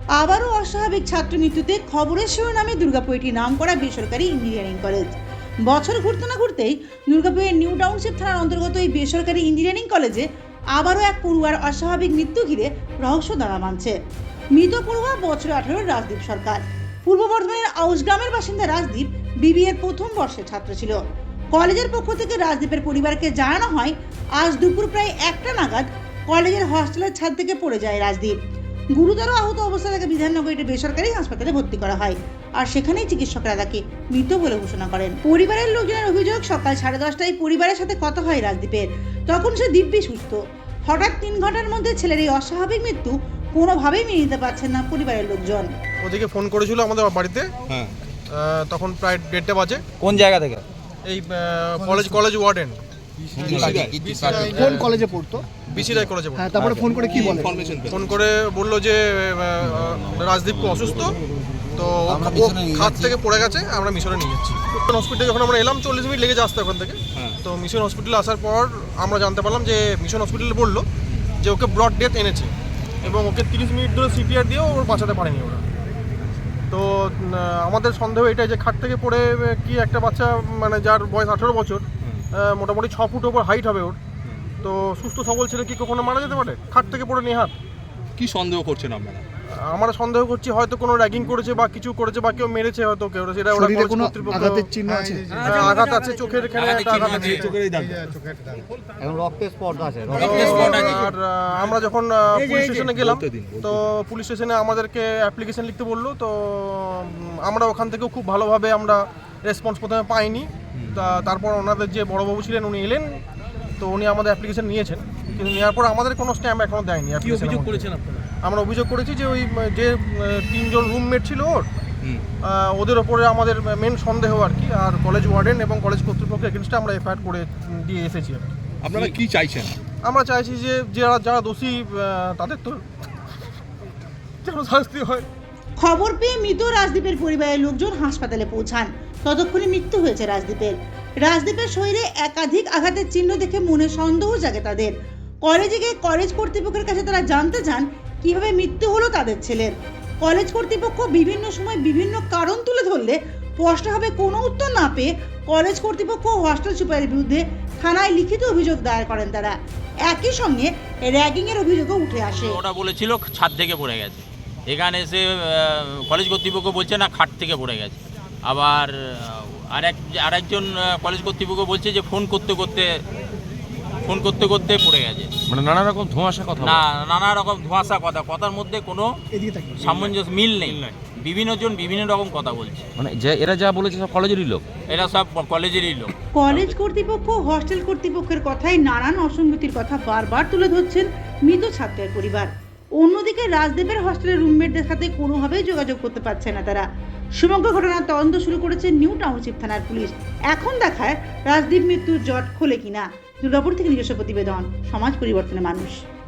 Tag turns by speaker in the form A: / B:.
A: আবারও অস্বাভাবিক ছাত্র মৃত্যুতে খবরের শিরোনামে দুর্গাপুর একটি নামকরা বেসরকারি ইঞ্জিনিয়ারিং কলেজ। বছর ঘুরতে না ঘুরতেই দুর্গাপুরের নিউ টাউনশিপ থানার অন্তর্গত এই বেসরকারি ইঞ্জিনিয়ারিং কলেজে আবারও এক পড়ুয়ার অস্বাভাবিক মৃত্যু ঘিরে রহস্য দানা বাঁধছে। মৃত পড়ুয়া বছর 18 রাজদীপ সরকার। পূর্ব বর্ধমানের আউসগ্রামের বাসিন্দা রাজদীপ বিবিএর প্রথম বর্ষের ছাত্র ছিল। কলেজের পক্ষ থেকে রাজদীপের পরিবারকে জানানো হয় আজ দুপুর প্রায় 1টা নাগাদ কলেজের হস্টেলের ছাদ থেকে পড়ে যায় রাজদীপ। গুরুতর আহত অবস্থায় তাকে বিধাননগর একটি বেসরকারি হাসপাতালে ভর্তি করা হয়, আর সেখানেই চিকিৎসকরা তাকে মৃত বলে ঘোষণা করেন। পরিবারের লোকজনের অভিযোগ, সকাল 10:30টায় পরিবারের সাথে কথা হয় রাজদীপের। তখন সে দিব্যি সুস্থ। হঠাৎ 3 ঘন্টার মধ্যে ছেলের এই অস্বাভাবিক মৃত্যু কোনোভাবেই মেনে নিতে পারছেন না পরিবারের লোকজন।
B: ওদিকে ফোন করেছিল আমাদের বাড়িতে, তখন প্রায় 1:30 বাজে।
C: কোন জায়গা থেকে?
B: এই কলেজ ওয়ার্ডেন।
D: কোন কলেজে পড়তো?
B: বিসি রায় কলেজে পড়তো।
D: হ্যাঁ, তারপরে ফোন করে কি বলে?
B: ফোন করে বললো যে রাজদীপ খুব অসুস্থ, তো খাত থেকে পড়ে গেছে, আমরা মিশনে নিয়ে যাচ্ছি। হসপিটালে যখন আমরা এলাম 40 মিনিট লেগে আসতে ওখান থেকে। তো মিশন হসপিটালে আসার পর আমরা জানতে পারলাম যে মিশন হসপিটালে বললো যে ওকে ব্রড ডেথ এনেছে এবং ওকে 30 মিনিট ধরে সিপিআর দিয়েও ওর বাঁচাতে পারেনি ওরা। তো আমাদের সন্দেহ এটাই যে খাট থেকে পড়ে কি একটা বাচ্চা, মানে যার বয়স 18 বছর, মোটামুটি 6 ফুট ওপর হাইট হবে ওর, তো সুস্থ সবল ছেলে কি কখনো মারা যেতে পারে খাট থেকে পড়ে নেহাত?
E: কি সন্দেহ করছেন আপনারা?
B: আমরা সন্দেহ করছি হয়তো কোনো র্যাগিং করেছে বা কিছু করেছে বা কেউ মেরেছে হয়তো কেউ, সেটা ওরা
D: শরীরে কোনো আঘাতের চিহ্ন আছে?
B: আঘাত আছে, চোখের এখানে একটা আঘাত আছে,
E: চোখেরই দাগ।
C: এখন রক্তের স্পট আছে।
B: আর আমরা যখন পুলিশ স্টেশনে গেলাম, তো পুলিশ স্টেশনে আমাদেরকে অ্যাপ্লিকেশন লিখতে বললো। তো আমরা ওখান থেকেও খুব ভালোভাবে আমরা রেসপন্স প্রথমে পাইনি। তারপর ওনাদের যে বড়বাবু ছিলেন উনি এলেন, তো উনি আমাদের অ্যাপ্লিকেশন নিয়েছেন, কিন্তু নেওয়ার পর আমাদের কোনো স্ট্যাম্প এখনো দেয়নি।
E: কি অভিযোগ করেছেন আপনারা?
B: আমরা অভিযোগ করেছি যে ওই যে 3 জন রুমমেট ছিল ওদের ওপরে আমাদের মেন সন্দেহ আর কি, আর কলেজ ওয়ার্ডেন এবং কলেজ কর্তৃপক্ষের এগেনস্টে আমরা এফআইআর করে দিয়ে এসেছি আর কি।
E: আপনারা কি চাইছেন?
B: আমরা চাইছি যে যারা দোষী তাদের তো যেন শাস্তি হয়।
A: খবর পেয়ে মৃত রাজদীপের পরিবারের লোকজন হাসপাতালে পৌঁছান। ততক্ষণে মৃত্যু হয়েছে রাজদীপের। রাজদীপের শরীরে একাধিক আঘাতের চিহ্ন দেখে মনে সন্দেহ জাগে তাদের। কলেজে গিয়ে কলেজ কর্তৃপক্ষের কাছে তারা জানতে চান কিভাবে মৃত্যু হলো তাদের ছেলের। কলেজ কর্তৃপক্ষ বিভিন্ন সময় বিভিন্ন কারণ তুলে ধরলে স্পষ্টভাবে কোনো উত্তর না পেয়ে কলেজ কর্তৃপক্ষ ও হস্টেল সুপারের বিরুদ্ধে থানায় লিখিত অভিযোগ দায়ের করেন তারা। একই সঙ্গে র্যাগিংয়ের অভিযোগও উঠে আসে।
F: ওটা বলেছিল ছাদ থেকে পড়ে গেছে, এখানে এসে কলেজ কর্তৃপক্ষ বলছে না খাট থেকে পড়ে গেছে। আবার আরেকজন কলেজ কর্তৃপক্ষ বলছে যে ফোন করতে করতে পড়ে গেছে।
C: মানে নানা রকম ধোঁয়াশা কথা।
F: না, নানা রকম ধোঁয়াশা কথার মধ্যে কোনো সামঞ্জস্য মিল নেই। বিভিন্ন জন বিভিন্ন রকম কথা বলছে।
C: মানে যে এরা যা বলেছে সব কলেজেরই লোক,
F: এরা সব কলেজেরই লোক।
A: কলেজ কর্তৃপক্ষ হস্টেল কর্তৃপক্ষের কথায় নানান অসঙ্গতির কথা বারবার তুলে ধরছেন মৃত ছাত্রের পরিবার। অন্যদিকে রাজদীপের হস্টেলের রুমমেটদের সাথে কোনোভাবেই যোগাযোগ করতে পারছে না তারা। সমগ্র ঘটনার তদন্ত শুরু করেছে নিউ টাউনশিপ থানার পুলিশ। এখন দেখায় রাজদীপ মৃত্যুর জট খোলে কিনা। দুর্গাপুর থেকে নিজস্ব প্রতিবেদন, সমাজ পরিবর্তনের মানুষ।